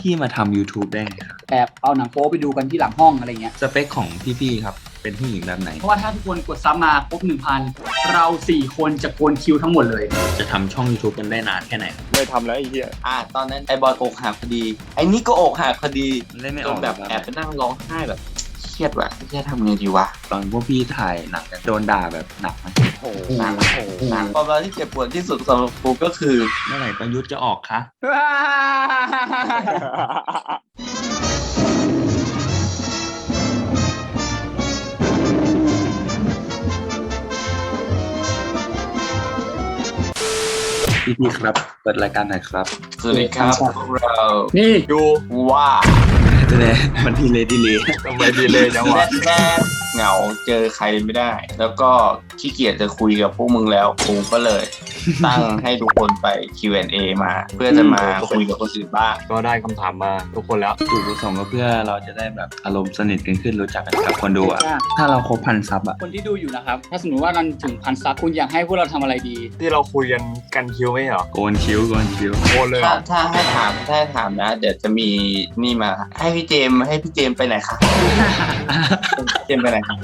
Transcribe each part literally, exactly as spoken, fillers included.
พี่มาทำ YouTube ได้ไงครับแบบเอาหนังโป๊ไปดูกันที่หลังห้องอะไรเงี้ยสเปคของพี่ๆครับเป็นผู้หญิงแบบไหนเพราะว่าถ้าทุกคนกดซับมาครบหนึ่งพันเราสี่คนจะโกนคิวทั้งหมดเลยจะทำช่อง YouTube กันได้นานแค่ไหนไม่ทำแล้วไอ้เหี้ยอ่ะตอนนั้นไอ้บอลอกหักพอดีไอ้นี่ก็อกหักพอดีเล่นไม่อจอน กแบบแอบไปนั่งร้องไห้แบบเครียดว่ะเครียดทำไงดีวะตอนพวกพี่ถ่ายหนังกันโดนด่าแบบหนักไหมโอ้โหหนักหนักความรักที่เจ็บปวดที่สุดสำหรับกูก็คือเมื่อไหร่ประยุทธ์จะออกคะพี่พี่ครับเปิดรายการหน่อยครับสวัสดีครับพวกเรานี่ดูว่าจะได้มันทีเลยทีเลยทำไมดีเลยจังวะแน่เหงาเจอใครไม่ได้แล้วก็ขี้เกียจจะคุยกับพวกมึงแล้วกูก็เลยตั้งให้ทุกคนไป คิว แอนด์ เอ มาเพื่อจะมาคุยกับคนอื่นบ้างก็ได้คำถามมาทุกคนแล้วจุดประสงค์ก็เพื่อเราจะได้แบบอารมณ์สนิทกันขึ้นรู้จักกันกับคนดูอะถ้าเราครบพันซับอะคนที่ดูอยู่นะครับถ้าสมมติว่าเราถึงพันซับคุณอยากให้พวกเราทำอะไรดีที่เราคุยกันกันคิวไหมเหรอโกนคิ้วโกนคิ้วโกนเลยถ้าถ้าให้ถามถ้าให้ถามนะเดี๋ยวจะมีนี่มาให้พี่เจมให้พี่เจมไปไหนคะเจมไปไหนครับ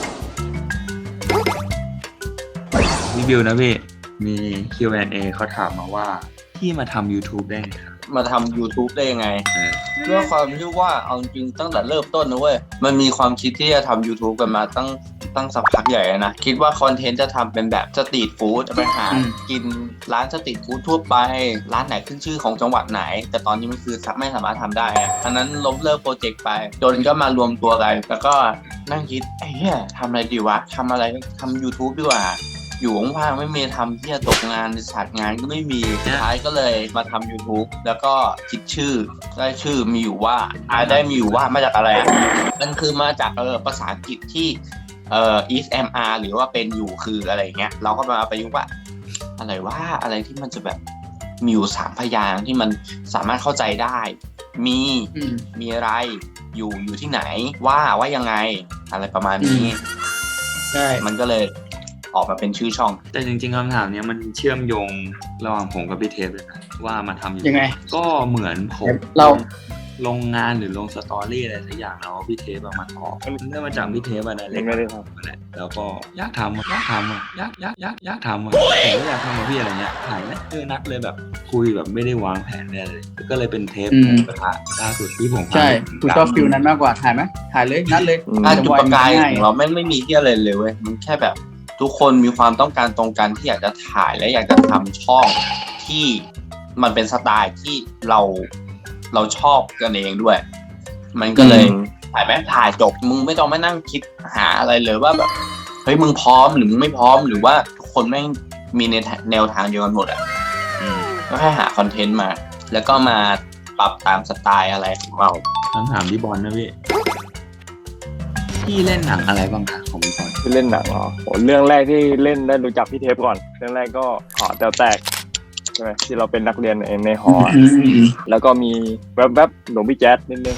รีวิวนะพี่มี คิว แอนด์ เอ เขาถามมาว่าพี่มาทำ YouTube ได้ไงครับมาทำ YouTube ได้ยังไงเพื่อความที่ว่าเอาจริงตั้งแต่เริ่มต้นนะเว้ยมันมีความคิดที่จะทำ YouTube กันมาตั้งตั้งสักพักใหญ่นะคิดว่าคอนเทนต์จะทำเป็นแบบสตรีทฟู้ดไปหากินร้านสตรีทฟู้ดทั่วไปร้านไหนขึ้นชื่อของจังหวัดไหนแต่ตอนนี้มันคือไม่สามารถทำได้อันนั้นล้มเลิกโปรเจกต์ไปจนก็มารวมตัวกันแล้วก็นั่งคิดไอ้เหี้ยทำอะไรดีวะทำอะไรทำ YouTube ดีกว่าอยู่ว่างๆไม่มีทำที่จะตกงานศาสตร์งานก็ไม่มีสุดท้ายก็เลยมาทำ YouTube แล้วก็คิดชื่อได้ชื่อมีอยู่ว่าอ่าได้มีอยู่ว่ามาจากอะไรอ่ะมันคือมาจากเออภาษาอังกฤษที่เอ่อ is am are หรือว่าเป็นอยู่คืออะไรเงี้ยเราก็มาประยุกต์ว่าอะไรว่าอะไรที่มันจะแบบมีอยู่สามพยางค์ที่มันสามารถเข้าใจได้มีมีอะไรอยู่อยู่ที่ไหนว่าว่ายังไงอะไรประมาณนี้ใช่มันก็เลยออกมาเป็นชื่อช่องแต่จริงๆคำถามนี้มันเชื่อมโยงระหว่างผมกับพี่เทปเลยนะว่ามาทำอยู่ยังไงก็เหมือนผมเราลงงานหรือลงสตอรี่อะไรสักอย่างแล้วพี่เทปมาออกเนื่องมาจากพี่เทปอะไรเล็กไม่ได้ทำอะไรแล้วก็อยากทำอยากทำอ่ะอยากอยากอยากอยากทำอ่ะผมก็อยากทำกับพี่อะไรเงี้ยถ่ายนะเออนัดเลยแบบคุยแบบไม่ได้วางแผนเลยก็เลยเป็นเทปกระทะล่าสุดที่ผมใช่คุณชอบฟิลนั้นมากกว่าถ่ายไหมถ่ายเลยนัดเลยอ่ะจุดประกายของเราไม่ไม่มีที่อะไรเลยเว้ยมันแค่แบบทุกคนมีความต้องการตรงกันที่อยากจะถ่ายและอยากจะทำช่องที่มันเป็นสไตล์ที่เราเราชอบกันเองด้วยมันก็เลยถ่ายแม่ถ่ายจบมึงไม่ต้องมานั่งคิดหาอะไรเลยว่าแบบเฮ้ยมึงพร้อมหรือมึงไม่พร้อมหรือว่าทุกคนไม่มีในแนวทางเดียวกันหมดอ่ะก็แค่หาคอนเทนต์มาแล้วก็มาปรับตามสไตล์อะไรของเราคำถามที่บอลนะพี่พี่เล่นหนังอะไรบ้างคะของพี่บอลที่เล่นหนังเหรอโหเรื่องแรกที่เล่นได้รู้จักพี่เทปก่อนเรื่องแรกก็หอแต๋วแตกใช่ไหมที่เราเป็นนักเรียนในในหอแล้วก็มีแวบๆหลวงพี่แจ๊ดนิดนึง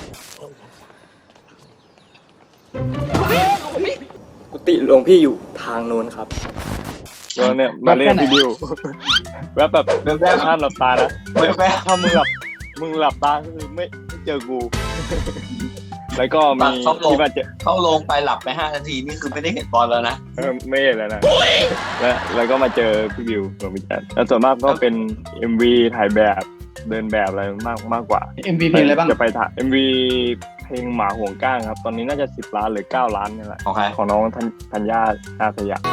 กุฏิหลวงพี่อยู่ทางโน้นครับแล้วเนี่ยมาเล่นพี่ดิวแวบแบบแวบห้ามหลับตานะแวบถ้ามึงหลับมึงหลับตาก็คือไม่ไม่เจอกูแล้วก็มีที่มาเจอเข้าลงไปหลับไปห้านาทีนี่คือไม่ได้เห็นบอลแล้วนะเออไม่เห็นแล้วนะแล้วแล้วก็มาเจอพี่บิวหลวงพี่แจ๊ดแล้วส่วนมากก็เป็น เอ็ม วี ถ่ายแบบเดินแบบอะไรมากมากกว่าเอ็ม วี เพลงอะไรบ้างจะไปถ่าย เอ็ม วี เพลงหมาห่วงก้างครับตอนนี้น่าจะสิบล้านหรือเก้าล้านนี่แหละของใครของน้องธัญญาอาสยาม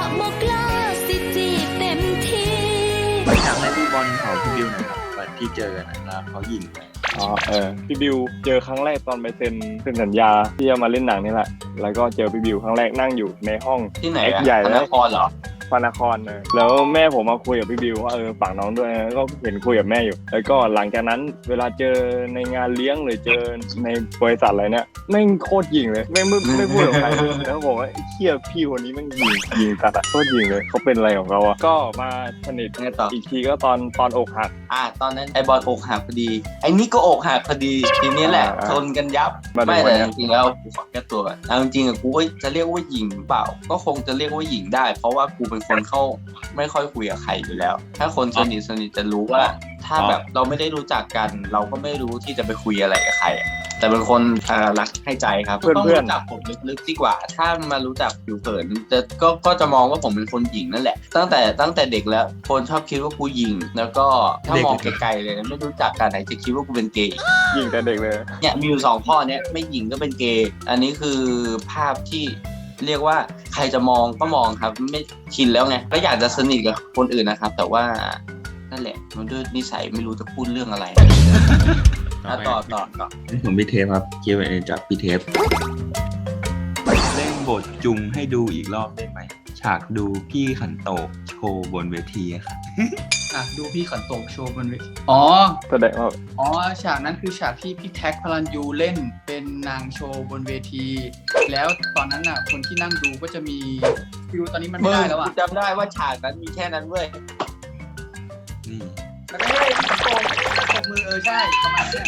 ไปทางให้พี่บอลเขาพี่บิวหน่อยครับวันที่เจอกันนะเขายิงไปอ๋อเออพี่บิวเจอครั้งแรกตอนไปเซ็นเซ็นสัญญาที่จะมาเล่นหนังนี่แหละแล้วก็เจอพี่บิวครั้งแรกนั่งอยู่ในห้องที่ไหนอะใหญ่นครเหรอพระนครนะแล้วแม่ผมมาคุยกับพี่บิวว่าเออฝากน้องด้วยก็เห็นคุยกับแม่อยู่แล้วก็หลังจากนั้นเวลาเจอในงานเลี้ยงหรือเจอในบริษัทอะไรเนี่ยแม่งโคตรยิงเลยแม่งไม่ไม่พูดกับใครแล้วบอกว่าเชี่ยพี่คนนี้แม่งยิงยิงตัดอะโคตรยิงเลยเขาเป็นอะไรของเขาอะก็มาสนิทอีกทีก็ตอนตอนอกหักอ่ะตอนนั้นไอ้บอลอกหักพอดีไอ้นี่ก็อกหักพอดีทีนี้แหละชนกันยับไม่แต่จริงๆแล้วกูขอแก้ตัวเอาจริงๆอะกูก็จะเรียกว่าหญิงเปล่าก็คงจะเรียกว่าหญิงได้เพราะว่ากูเป็นเป็นคนเข้าไม่ค่อยคุยกับใครอยู่แล้ว ถ้าคนสนิทสนิทจะรู้ว่า ถ้าแบบเราไม่ได้รู้จักกัน เราก็ไม่รู้ที่จะไปคุยอะไรกับใครแต่เป็นคนรักให้ใจครับต้องรู้จักผมลึกๆดีกว่า ถ้ามารู้จักผิวเผินจะก็ก็จะมองว่าผมเป็นคนหญิงนั่นแหละตั้งแต่ตั้งแต่เด็กแล้วคนชอบคิดว่ากูหญิงแล้วก็ถ้ามองไกลๆเลยไม่รู้จักกันไหนจะคิดว่ากูเป็นเกย์หญิงแต่เด็กเลยเนี่ยมีอยู่สองข้อเนี้ยไม่หญิงก็เป็นเกย์อันนี้คือภาพที่เรียกว่าใครจะมองก็มองครับไม่ชินแล้วไงก็อยากจะสนิทกับคนอื่นนะครับแต่ว่านั่นแหละมันด้วยนิสัยไม่รู้จะพูดเรื่องอะไรต่อต่อต่อผมพี่เทปครับเกี่ยวกับจากพี่เทปเล่นบทจุงให้ดูอีกรอบได้ไหมฉากดูพี่ขันโตกโชว์บนเวทีครับอ่ะดูพี่ขันโตกโชว์บนเวทีอ๋อแสดงว่าอ๋อฉากนั้นคือฉากที่พี่แท็กพลันยูเล่นเป็นนางโชว์บนเวทีแล้วตอนนั้นน่ะคนที่นั่งดูก็จะมีฟิวตอนนี้มันไม่ได้แล้วอ่ะจำได้ว่าฉากนั้นมีแค่นั้นเว้ยนี่แล้วก็ให้พี่ขันโตกตบมือเออใช่ประมาณนี้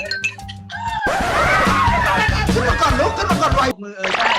ขึ้นมาก่อนลุกขึ้นมาก่อนไวมือเออใช่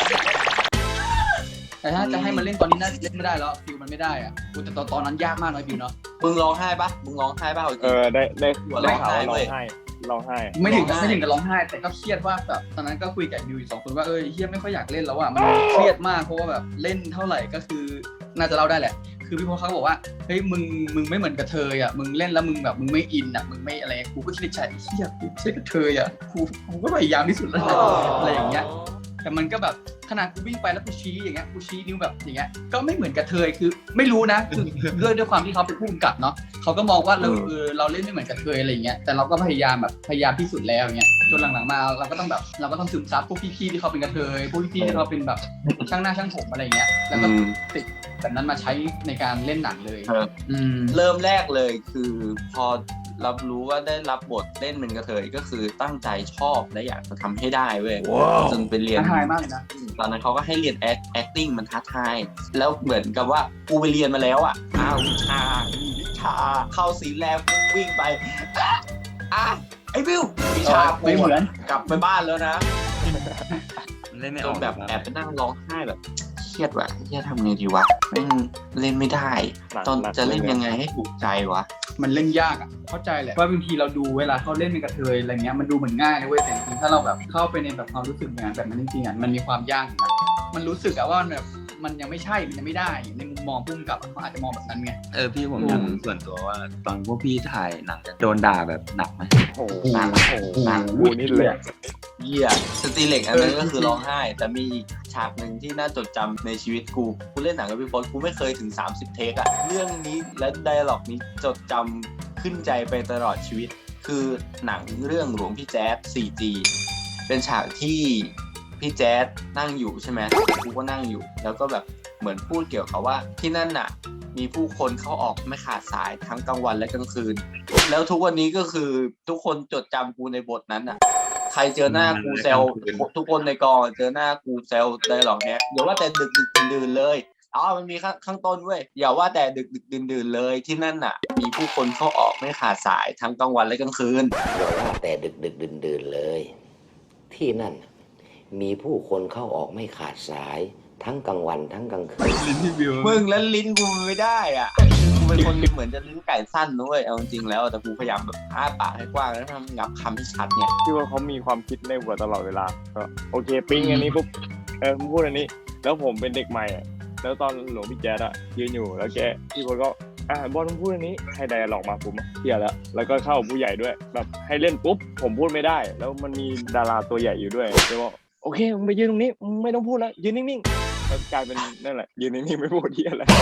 แต่ถ้าจะให้มันเล่นตอนนี้น่าเล่นไม่ได้แล้วฟิวมันไม่ได้อ่ะแต่ตอนตอนนั้นยากมากเลยฟิวเนาะมึงร้องไห้ปะมึงร้องไห้ปะเออได้ได้ได้ข่าวว่าร้องไห้ร้องไห้ไม่ถึงไม่ถึงกับร้องไห้แต่ก็เครียดว่าแบบตอนนั้นก็คุยกับบิวอีกสองคนว่าเออเฮียไม่ค่อยอยากเล่นแล้วอ่ะมันเครียดมากเพราะว่าแบบเล่นเท่าไหร่ก็คือน่าจะเล่าได้แหละคือพี่พอเขาบอกว่าเฮ้ยมึงมึงไม่เหมือนกับเธออ่ะมึงเล่นแล้วมึงแบบมึงไม่อินอ่ะมึงไม่อะไรกูก็คิดในใจเฮียกูไม่ใช่กับเธออ่ะกูกูก็พยายามที่สุดแล้วอะไรอย่างเงี้ยแต่มันก็แบบขนาดกูวิ่งไปแล้วกูชี้อย่างเงี้ยกูชี้นิ้วแบบอย่างเงี้ยก็ไม่เหมือนกับเธอคือไม่รู้นะคือด้วยด้วยความที่เขาเป็นผู้กำกับเนาะเขาก็มองว่าเราเออเราเล่นไม่เหมือนกับเธออะไรอย่างเงี้ยแต่เราก็พยายามแบบพยายามที่สุดแล้วอย่างเงี้ยจนหลังๆมาเราก็ต้องแบบเราก็ต้องซึมซับพวกพี่ๆที่เขาเป็นกระเทยพวกพี่ๆที่เขาเป็นแบบช่างหน้าช่างผมอะไรอย่างเงี้ยแล้วก็ติดแบบนั้นมาใช้ในการเล่นหนังเลยเริ่มแรกเลยคือพอรับรู้ว่าได้รับบทเล่นเป็นกระเทยก็คือตั้งใจชอบและอยากจะทำให้ได้เว้ยจนไปเรียนท้าทายมากเลยนะตอนนั้นเขาก็ให้เรียน acting มันท้าทายแล้วเหมือนกับว่ากูไปเรียนมาแล้วอ่ะอ้าววิชาวิชาเข้าซีนแรกวิ่งไปอ่ะไอ้บิววิชาไม่เหมือนกลับไปบ้านแล้วนะเล่นไม่ออกแบบแอบไปนั่งร้องไห้แบบเครียดว่ะเครียดทำไงดีวะเล่นเล่นไม่ได้ตอนจะเล่นยังไงให้ถูกใจวะมันเล่นยากอ่ะเข้าใจแหละว่าบางทีเราดูเวลาเขาเล่นเป็นกระเทยอะไรเงี้ยมันดูเหมือนง่ายนะเว้ยแต่จริงๆถ้าเราแบบเข้าไปในแบบความรู้สึกงานแบบนั้นจริงๆอ่ะมันมีความยากนะมันรู้สึกอะว่าแบบมันยังไม่ใช่มันยังไม่ได้ในมุมมองพุ่งกับเขาอาจจะมองแบบนั้นไงเออพี่ผมอยากรู้ส่วนตัวว่าตอนพวกพี่ถ่ายหนังโดนด่าแบบหนักไหมโอ้โหหนักโอ้โหหนักกูนี่เลยเยี่ยสตีเล็กอันนั้นก็คือร้องไห้แต่มีฉากหนึ่งที่น่าจดจำในชีวิตกูกูเล่นหนังกับพี่บอลกูไม่เคยถึงสามสิบเทคอะเรื่องนี้และไดอะล็อกนี้จดจำขึ้นใจไปตลอดชีวิตคือหนังเรื่องหลวงพี่แจ๊ส โฟร์จี เป็นฉากที่พี่แจ๊สนั่งอยู่ใช่ไหมกูก็นั่งอยู่แล้วก็แบบเหมือนพูดเกี่ยวกับว่าที่นั่นน่ะมีผู้คนเข้าออกไม่ขาดสายทั้งกลางวันและกลางคืนแล้วทุกวันนี้ก็คือทุกคนจดจำกูในบทนั้นน่ะใครเจอหน้ากูเซลทุกคนในกองเจอหน้ากูเซลได้หรอกเนี้ยอย่าว่าแต่ดึกดึกดื่นเลยอ๋อมันมีข้างข้างต้นเว้ยอย่าว่าแต่ดึกดึกดื่นดื่นเลยที่นั่นน่ะมีผู้คนเข้าออกไม่ขาดสายทั้งกลางวันและกลางคืนอย่าว่าแต่ดึกดึกดื่นดื่นเลยที่นั่นมีผู้คนเข้าออกไม่ขาดสายทั้งกลางวันทั้งกลางคืนมึงแล้วลิ้นกูไม่ได้อ่ะกูเป็นคนเหมือนจะลิ้นไก่สั้นด้วยเอาจริงๆแล้วแต่กูพยายามแบบอ้าปากให้กว้างแล้วทำงับคำให้ชัดเนี่ยที่ว่าเขามีความคิดในหัวตลอดเวลาก็โอเคปิ้งอันนี้ปุ๊บเออพูดอันนี้แล้วผมเป็นเด็กใหม่อ่ะแล้วตอนหลวงพี่แจ๊ดอ่ะยืนอยู่แล้วแกพี่บอลก็อ่ะบอลพูดอันนี้ให้ไดอะล็อกมาผมเที่ยแล้วแล้วก็เข้าผู้ใหญ่ด้วยแบบให้เล่นปุ๊บผมพูดไม่ได้แล้วมันมีดาราตัวใหญ่อยู่ด้วยเลยบอกโอเคมึงไปยืนตรงนี้มึงไม่ต้องพูดแล้วยืนนิ่งๆแล้วกลายเป็นนั่นแหละยืนนิ่งๆไม่พูดที่อะไร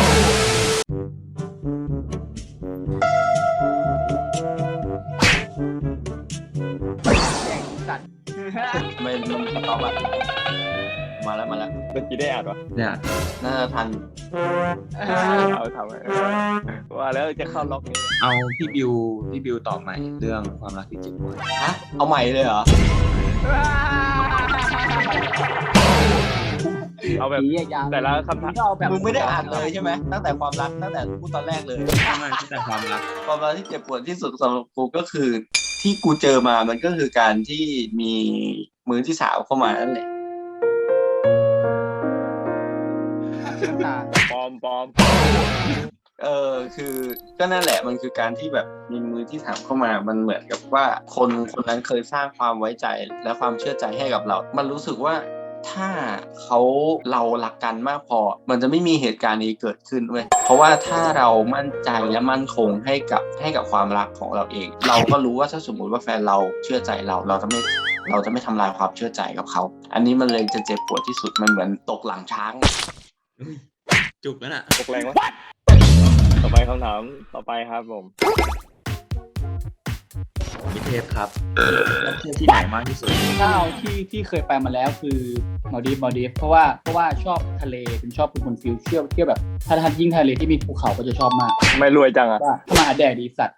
ไม่ลงสต็อปอ่ะมาแล้วมาแล้วเมื่อกี้ได้อ่านวะเนี่ยน่าจะทันเอาทำไมว่าแล้วจะเข้าล็อกนี้เอาพี่บิวพี่บิวตอบใหม่เรื่องความรักที่เจ็บปวดฮะเอาใหม่เลยเหรอเอาแบบแต่ละคำถามมึงไม่ได้อ่านเลยใช่ไหมตั้งแต่ความรักตั้งแต่พูดตอนแรกเลยไม่ตั้งแต่ความรักความรักที่เจ็บปวดที่สุดสำหรับกูก็คือที่กูเจอมามันก็คือการที่มีมือที่สาวเข้ามานั่นแหละปอมปอมเออคือก็นั่นแหละมันคือการที่แบบมีมือที่ถามเข้ามามันเหมือนกับว่าคนคนนั้นเคยสร้างความไว้ใจและความเชื่อใจให้กับเรา มันรู้สึกว่าถ้าเขาเรารักกันมากพอมันจะไม่มีเหตุการณ์นี้เกิดขึ้นเว้ยเพราะว่าถ้าเรามั่นใจและมั่นคงให้กับให้กับความรักของเราเอง เราก็รู้ว่าถ้าสมมุติว่าแฟนเราเชื่อใจเราเราจะไม่เราจะไม่ทำลายความเชื่อใจกับเขาอันนี้มันเลยจะเจ็บปวดที่สุดมันเหมือนตกหลังช้างจุกแล้วน่ะตกแรงวะต่อไปคำถามต่อไปครับผมพี่เทพครับแล้วเที่ยวที่ไหนมากที่สุดถ้าเอาที่ที่เคยไปมาแล้วคือมาดีฟมาดีฟเพราะว่าเพราะว่าชอบทะเลเป็นชอบเป็นคนฟิลเที่ยวเที่ยวแบบถ้าทันยิ่งทะเลที่มีภูเขาก็จะชอบมากไม่รวยจังอ่ะถ้ามาแดดดีสัตว์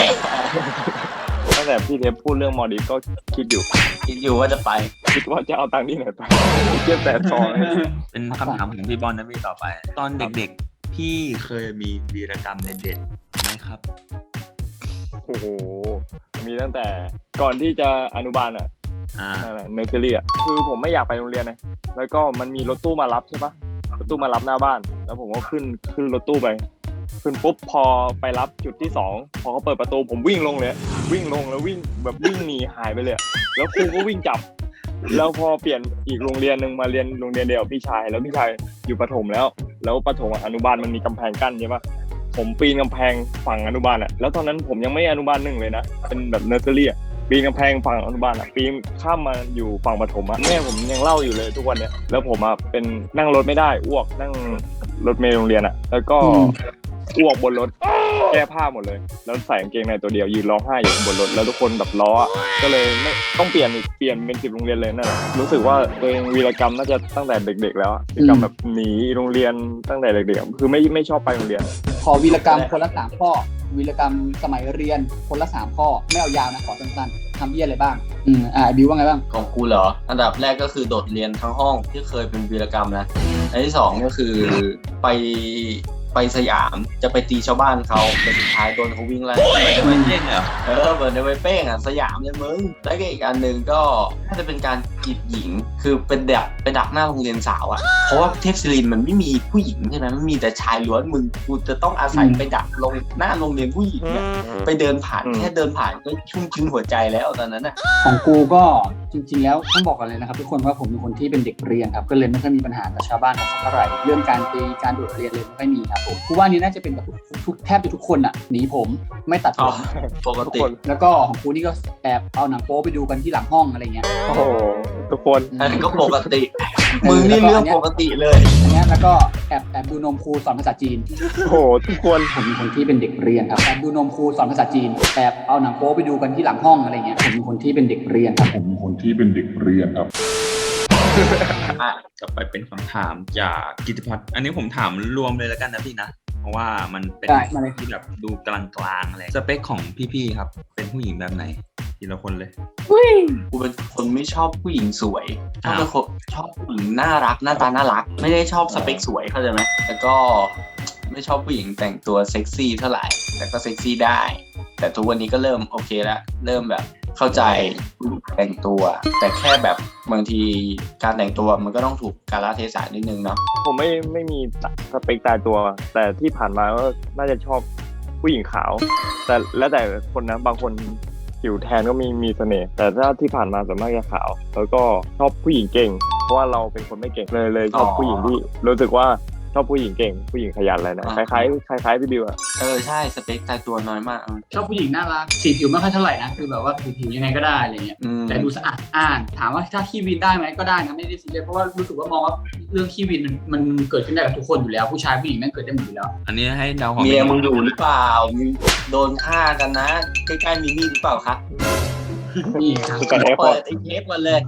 ตั้งแต่พี่เทพพูดเรื่องมาดีฟก็คิดอยู่คิดอยู่ว่าจะไปคิดว่าจะเอาตังค์ที่ไหนไปเก็บแต่ทองเป็นคำถามของพี่บอลนะพี่ต่อไปตอนเด็กๆพี่เคยมีวีรกรรมเด็ดๆไหมครับโอ้โหมีตั้งแต่ก่อนที่จะอนุบาลอ่ะนั่นแหละเนอร์เซอรี่อ่ะคือผมไม่อยากไปโรงเรียนนะแล้วก็มันมีรถตู้มารับใช่ปะรถตู้มารับหน้าบ้านแล้วผมก็ขึ้นขึ้นรถตู้ไปขึ้นปุ๊บพอไปรับจุดที่สองพอเขาเปิดประตูผมวิ่งลงเลยวิ่งลงแล้ววิ่งแบบวิ่งหนีหายไปเลยแล้วครูก็วิ่งจับแล้วพอเปลี่ยนอีกโรงเรียนนึงมาเรียนโรงเรียนเดียวพี่ชายแล้วพี่ชายอยู่ประถมแล้วแล้วประถมอนุบาลมันมีกำแพงกั้นใช่ปะผมปีนกำแพงฝั่งอนุบาลอ่ะแล้วตอนนั้นผมยังไม่อนุบาลหนึ่งเลยนะเป็นแบบเนอร์เซอรี่อ่ะปีนกำแพงฝั่งอนุบาลอ่ะปีนข้ามมาอยู่ฝั่งประถมอ่ะแม่ผมยังเล่าอยู่เลยทุกวันเนี้ยแล้วผมอ่ะเป็นนั่งรถไม่ได้อ้วกนั่งรถเมล์โรงเรียนอ่ะแล้วก็อ้วกบนรถแก้ผ้าหมดเลยแล้วใส่กางเกงในตัวเดียวยืนร้องไห้อยู่บนรถแล้วทุกคนแบบล้อก็เลยไม่ต้องเปลี่ยนอีกเปลี่ยนเป็นสิบโรงเรียนเลยนั่นแหละรู้สึกว่าตัวเองวีรกรรมน่าจะตั้งแต่เด็กๆแล้ววีรกรรมแบบหนีโรงเรียนตั้งแต่เด็กๆคือไม่ไม่ชอบไปโรงเรียนขอวีรกรรมคนละสามข้อวีรกรรมสมัยเรียนคนละสามข้อไม่เอายาวนะขอสั้นๆทำเยี่ยอะไรบ้างอืมอ่าบิวว่าไงบ้างของกูเหรออันดับแรกก็คือโดดเรียนทั้งห้องที่เคยเป็นวีรกรรมนะอันที่สองก็คือไปไปสยามจะไปตีชาวบ้านเขาแต่สุดท้ายโดนเขาวิ่งไล่จะไปเป้งเหรอเออเบิร์นไปเป้งอ่ะสยามเลยมึงแล้วก็อีกอันหนึ่งก็น่าจะเป็นการจีบหญิงคือเป็นดักไปดักหน้าโรงเรียนสาวอ่ะเพราะว่าเทพศิรินมันไม่มีผู้หญิงใช่ไหมมันมีแต่ชายล้วนมึงกูจะต้องอาศัยไปดักลงหน้าโรงเรียนผู้หญิงเนี่ยไปเดินผ่านแค่เดินผ่านก็ชุ่มชื้นหัวใจแล้วตอนนั้นอ่ะของกูก็จริงๆแล้วต้องบอกกันเลยนะครับทุกคนว่าผมเป็นคนที่เป็นเด็กเรียนครับก็เลยไม่ค่อยมีปัญหากับชาวบ้านเท่าไหร่เรื่องการตีการโดดเรียนเลยไม่ค่อยมีครับผมกูว่านี่น่าจะเป็นแบบทุกแทบจะทุกคนอ่ะหนีผมไม่ตัดผมปกติแล้วก็ของกูนี่ก็แอบเอาหนังโป๊ไปดูกันที่หลังห้องอะไรเงี้ยโอ้โหทุกคนอันนี้ก็ปกติมึงนี่เรื่องปกติเลยอันนี้แล้วก็แอบแอบดูนมครูสอนภาษาจีนโอ้โหทุกคนผมเป็นคนที่เป็นเด็กเรียนครับแอบดูนมครูสอนภาษาจีนแอบเอาหนังโป๊ไปดูกันที่หลังห้องอะไรเงี้ยผมเป็นคนที่เป็นเด็กเรียนครับผมเป็นคนที่เป็นเด็กเรียนครับอ่ะจะไปเป็นคำถามจากกิตติพัฒน์อันนี้ผมถามรวมเลยแล้วกันนะพี่นะเพราะว่ามันเป็นที่แบบดูกลางๆอะไรสเปคของพี่ๆครับเป็นผู้หญิงแบบไหนทีละคนเลยกูเป็นคนไม่ชอบผู้หญิงสวยชอบเป็นคนชอบผู้หญิงน่ารักหน้าตาน่ารักไม่ได้ชอบสเปคสวยเข้าใจไหมแล้วก็ไม่ชอบผู้หญิงแต่งตัวเซ็กซี่เท่าไหร่แต่ก็เซ็กซี่ได้แต่ทุกวันนี้ก็เริ่มโอเคแล้วเริ่มแบบเข้าใจแต่งตัวแต่แค่แบบบางทีการแต่งตัวมันก็ต้องถูกกาลเทศะนิดนึงเนาะผมไม่ไม่มีสเปคตายตัวแต่ที่ผ่านมาก็น่าจะชอบผู้หญิงขาวแต่แล้วแต่คนนะบางคนผิวแทนก็มีมีเสน่ห์แต่ถ้าที่ผ่านมาส่วนมากจะขาวแล้วก็ชอบผู้หญิงเก่งเพราะว่าเราเป็นคนไม่เก่งเลยเลยชอบผู้หญิงที่รู้สึกว่าชอบผู้หญิงเก่งผู้หญิงขยันอะไรนะคล้ายๆคล้ายๆพี่บิวอะเออใช่สเปคตายตัวน้อยมากชอบผู้หญิงน่ารักสีผิวไม่ค่อยเท่าไหร่นะคือแบบว่าผิวยังไงก็ได้อะไรเงี้ยแต่ดูสะอาดอ่านถามว่าถ้าขี้วินได้ไหมก็ได้นะไม่ได้ซีเรียสเพราะว่ารู้สึกว่ามองว่าเรื่องขี้วินมันเกิดขึ้นได้กับทุกคนอยู่แล้วผู้ชายผู้หญิงนั่นเกิดได้หมดอยู่แล้วอันนี้ให้เดาของเมียมึงอยู่หรือเปล่าโดนฆ่ากันนะใกล้ๆมีมีหรือเปล่าครับนี่ครับเปิดไอ้เทปมาเลย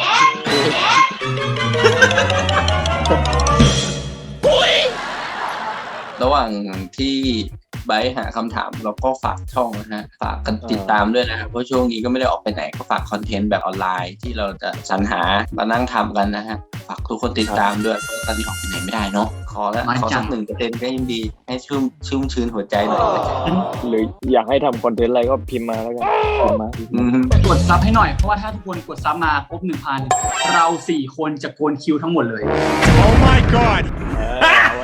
ระหว่างที่ไบร์ทหาคำถามเราก็ฝากช่องนะฮะฝากกันติดตามด้วยนะครับเพราะช่วงนี้ก็ไม่ได้ออกไปไหนก็ฝากคอนเทนต์แบบออนไลน์ที่เราจะสรรหามานั่งทำกันนะฮะฝากทุกคนติดตามด้วยเพราะตอนนี้ออกไปไหนไม่ได้เนาะขอแล้วขอสักหนึ่งเปอร์เซ็นต์ก็ยังดีให้ชุ่มชุ่มชื้นหัวใจหน่อยหรืออยากให้ทำคอนเทนต์อะไรก็พิมพ์มาแล้วกันพิมพ์มากดซับให้หน่อยเพราะว่าถ้าทุกคนกดซับมาครบ หนึ่งพัน เราสี่คนจะโกนคิวทั้งหมดเลย Oh my god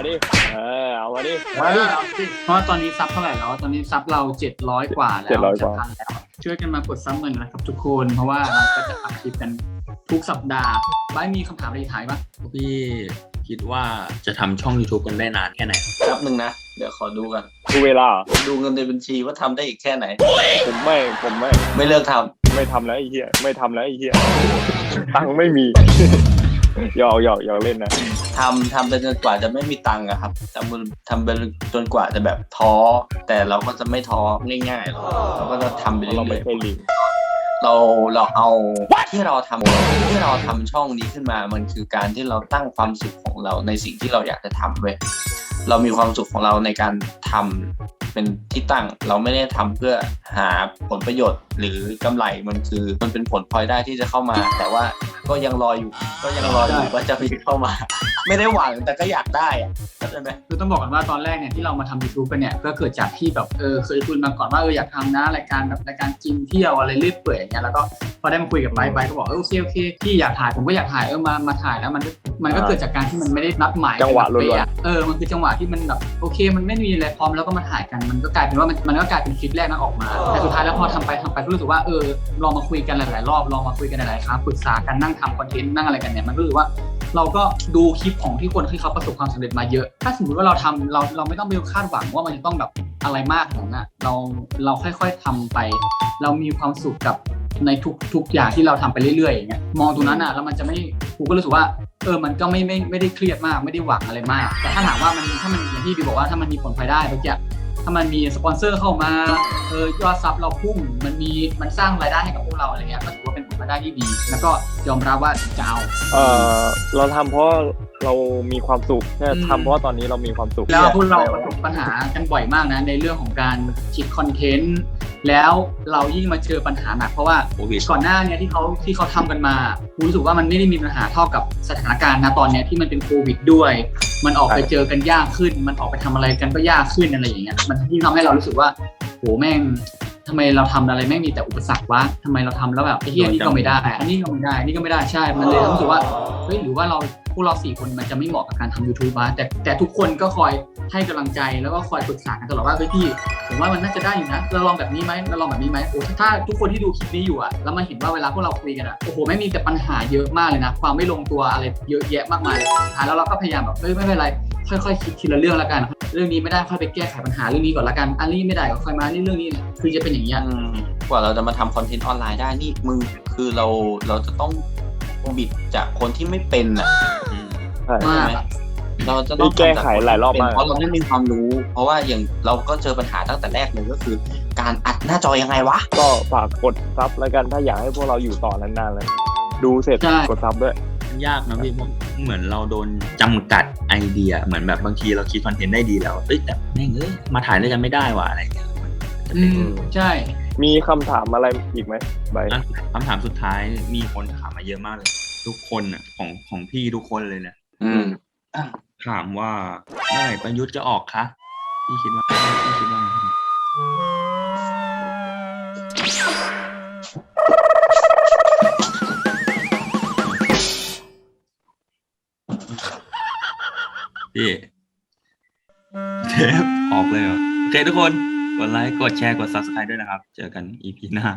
มาดิเออเอามาดิเพราะว่าตอนนี้ซับเท่าไหร่แล้วตอนนี้ซับเราเจ็ดร้อยกว่าแล้วเจ็ดร้อยกว่าจะพันแล้วช่วยกันมากดซับเงินนะครับทุกคนเพราะว่าเราก็จะอัพคลิปกันทุกสัปดาห์บ้ายมีคำถามอะไรท้ายปะพี่คิดว่าจะทำช่อง YouTube กันได้นานแค่ไหนแป๊บหนึ่งนะ เดี๋ยวขอดูกันดูเวลาดูเงินในบัญชีว่าทำได้อีกแค่ไหนผมไม่ผมไม่ไม่เลิกทำไม่ทำแล้วไอ้เหี้ยไม่ทำแล้วไอ้เหี้ยตังค์ไม่มีหยอกหยอกหยอกเล่นนะทำทำไปจนกว่าจะไม่มีตังค์อะครับทำทำไปจนกว่าจะแบบท้อ แต่เราก็จะไม่ท้อง่ายๆหรอกเราก็จะทำไปเรื่เราไม่อยใช่ลิงๆเราเราเอาที่เราทำที่เราทำช่องนี้ขึ้นมามันคือการที่เราตั้งความสุขของเราในสิ่งที่เราอยากจะทำเว้ยเรามีความสุขของเราในการทำเป็นที่ตั้งเราไม่ได้ทำเพื่อหาผลประโยชน์หรือกำไรมันคือมันเป็นผลพลอยได้ที่จะเข้ามา แต่ว่าก็ยังรออยู่ก็ยังรออยู่ว่าจะมีเข้ามา ไม่ได้หวังแต่ก็อยากได้อะเข้าใจไหมคือต้องบอกกันว่าตอนแรกเนี่ยที่เรามาทำ YouTube กันเนี่ยก็เกิดจากที่แบบเออเคยคุยมาก่อนว่าเอออยากทำนะรายการแบบรายการกินเที่ยวอะไรเรื่อยเปื่อยอย่างเงี้ยแล้วก็พอได้มาคุยกับไบร์ทไบร์ทก็บอกเออโอเคโอเคพี่อยากถ่ายผมก็อยากถ่ายเออมามาถ่ายแล้วมันก็มันก็เกิดจากการที่มันไม่ได้นัดหมายจังหวะล้วนๆเป๊ะเออมันคือจังหวะที่มันแบบโอเคมันไม่มีอะไรพร้อมแล้วก็มาถ่ายกันมันก็กลายเป็นว่ามันมันก็กลายเป็นคลิปแรกนั้นออกมาแต่สุดท้ายแล้วพอทำไปทำไปก็รู้สึกว่าเออลองมาคุยกันหลายๆรอบลองมาคุยกันหลายๆครั้งปรึกษากันนั่งทำคอนเทนต์นั่งอะไรกันเนี่ยมันก็รู้สึกว่าเราก็ดูคลิปของที่คนที่เขาประสบความสำเร็จมาเยอะถ้าสมมติว่าเราทำเราเราไม่ต้องไปคาดหวังว่ามันจะต้องแบบอะไรมากขนาดนั้นเราเราค่อยๆทำไป เรามีความสุขกับในทุกทุกอย่างที่เราทำไปเรื่อยๆอย่างเงี้ยมองตรงนั้นอ่ะแล้วมันจะไม่กูก็รู้สึกว่าเออมันก็ไม่ไม่ไม่ได้เครียดมากไม่ได้หวังอะไรมากแต่ถ้าถามว่ามันถ้ามันอย่างที่บีบอกว่าถ้ามันมีผลพลอยได้เมื่อกี้ถ้ามันมีสปอนเซอร์เข้ามาเออยอดซับเราพุ่งมันมีมันสร้างรายได้ให้กับพวกเราอะไรเงี้ยก็ถือว่าเป็นผลพลอยได้ที่ดีแล้วก็ยอมรับว่าจะเอาเออเราทำเพราะเรามีความสุขเนี่ยทำเพราะตอนนี้เรามีความสุขแล้วพวกเราประสบปัญหากันบ่อยมากนะในเรื่องของการคิดคอนเทนต์แล้วเรายิ่งมาเจอปัญหาหนักเพราะว่าโควิดก่อนหน้าเนี้ยที่เขาที่เขาทำกันมาผมรู้สึกว่ามันไม่ได้มีปัญหาเท่ากับสถานการณ์ณตอนเนี้ยที่มันเป็นโควิดด้วย มันออกไปเจอกันยากขึ้น มันออกไปทำอะไรกันก็ยากขึ้นอะไรอย่างเงี้ยมันยิ่งทำให้เรารู้สึกว่าโหแม่งทำไมเราทำอะไรแม่งมีแต่อุปสรรควะทำไมเราทำแล้วแบบไอ้เหี้ยนี่ก็ไม่ได้อันนี้ก็ไม่ได้นี่ก็ไม่ได้ใช่มันเลยรู้สึกว่าเฮ้ยหรือว่าเราพวกเราสี่คนมันจะไม่เหมาะกับการทำ YouTube วะแต่แต่ทุกคนก็คอยให้กำลังใจแล้วก็คอยปรึกษากันตลอดว่าเฮ้ยพี่ผมว่ามันน่าจะได้อยู่นะเราลองแบบนี้ไหมเราลองแบบนี้ไหมโอ้ถ้าทุกคนที่ดูคลิปนี้อยู่อะแล้วมาเห็นว่าเวลาพวกเราคุยกันอะโอ้โหไม่มีแต่ปัญหาเยอะมากเลยนะความไม่ลงตัวอะไรเยอะแยะมากมายเลยสุดท้ายแล้วเราก็พยายามแบบเฮ้ยไม่เป็นไรค่อยๆคิดทีละเรื่องละกันเรื่องนี้ไม่ได้ค่อยไปแก้ไขปัญหาเรื่องนี้ก่อนละกันอันนี้ไม่ได้ก็ค่อยมานี่เรื่องนี้เนี่ยคือจะเป็นอย่างเงี้ยอืมกว่าเราจะมาทำคอนเทนต์ออนไลน์ได้นี่มึงคือเราเราจะต้องบิดจากคนที่ไม่เป็นอ่ะใช่มากไหมเราจะต้องนี่แก้ไขหลายรอบมากเพราะเราไม่มีความรู้ เพราะว่าอย่างเราก็เจอปัญหาตั้งแต่แรกเลยก็คือ การอัดหน้าจอยังไงวะก็ฝากกดซับแล้วกันถ้าอยากให้พวกเราอยู่ต่อนานๆเลยดูเสร็จใช่กดซับด้วยยากนะพี่เหมือนเราโดนจำกัดไอเดียเหมือนแบบบางทีเราคิดคอนเทนต์ได้ดีแล้วเอ้ยแต่แม่งเอ้ยมาถ่ายด้วยกันไม่ได้ว่ะอะไรอย่างเงี้ยจะอืเป็นมใช่มีคำถามอะไรอีกไหมใบอ่ะคำถามสุดท้ายมีคนถามมาเยอะมากเลย ทุกคนอ่ะของของพี่ทุกคนเลยเนี่ยอืมถามว่าเมื่อไหร่ประยุทธ์จะออกคะพี่คิดว่าพี่คิดว่าไงพี่เทปออกเลยเหรอโอเคทุกคนกดไลค์กดแชร์กด ซับสไครบ์ ด้วยนะครับ เจอกัน อี พี หน้า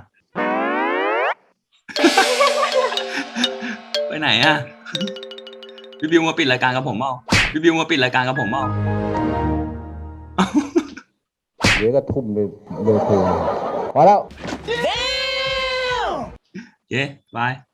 ไปไหนอ่ะ พี่บิวมาปิดรายการกับผมเปล่าพี่บิวมาปิดรายการกับผมเปล่าเดี๋ยวก็ทุ่มเลยเร็วเกินพอแล้วเย้บาย